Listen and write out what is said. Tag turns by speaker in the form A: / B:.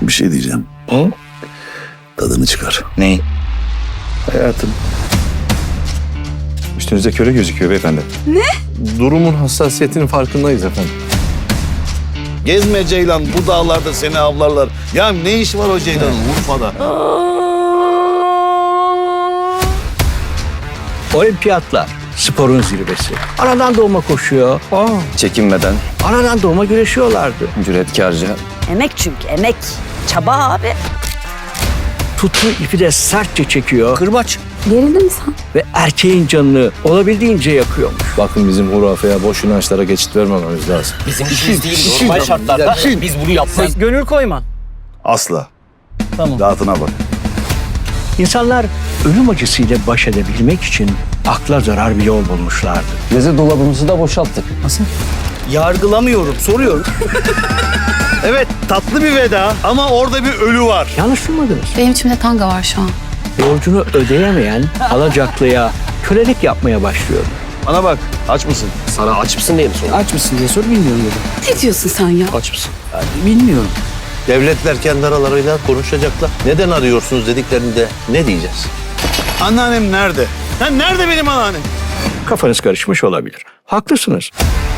A: Bir şey diyeceğim.
B: Hı?
A: Tadını çıkar.
B: Neyi?
C: Hayatım. Üstünüze köre gözüküyor beyefendi. Ne? Durumun hassasiyetinin farkındayız efendim.
A: Gezme Ceylan, bu dağlarda seni avlarlar. Ya ne iş var o Ceylan'ın Urfa'da?
D: Olimpiyatlar, sporun zirvesi. Anadan doğma koşuyor.
C: Çekinmeden,
D: Anadan doğma güreşiyorlardı.
C: cüretkarca.
E: Emek çünkü emek. Çaba abi.
D: Tuttuğu ipi de sertçe çekiyor.
B: Kırbaç.
E: Gerildin mi sen?
D: Ve erkeğin canını olabildiğince yakıyormuş.
C: Bakın bizim hurafeye boş inançlara geçit vermememiz lazım.
B: Bizim işimiz değil. Normal şartlarda biz bunu yapmayız.
F: Gönül koyma.
A: Asla.
F: Tamam.
A: Rahatına bak.
D: İnsanlar ölüm acısıyla baş edebilmek için akla zarar bir yol bulmuşlardı.
G: Meze dolabımızı da boşalttık.
F: Yargılamıyorum, soruyorum.
A: Evet, tatlı bir veda ama orada bir ölü var.
D: Yanlış duymadınız.
H: Benim içimde tanga var şu an.
D: Borcunu ödeyemeyen alacaklıya kölelik yapmaya başlıyor.
A: Bana bak, aç mısın?
G: Sana aç mısın diye mi sordun?
F: Aç mısın diye sor, bilmiyorum dedim.
H: Ne diyorsun sen ya?
G: Aç mısın?
F: Bilmiyorum.
I: Devletler kendi aralarıyla konuşacaklar. Neden arıyorsunuz dediklerinde ne diyeceğiz?
A: Anneannem nerede? Nerede benim anneannem?
D: Kafanız karışmış olabilir. Haklısınız.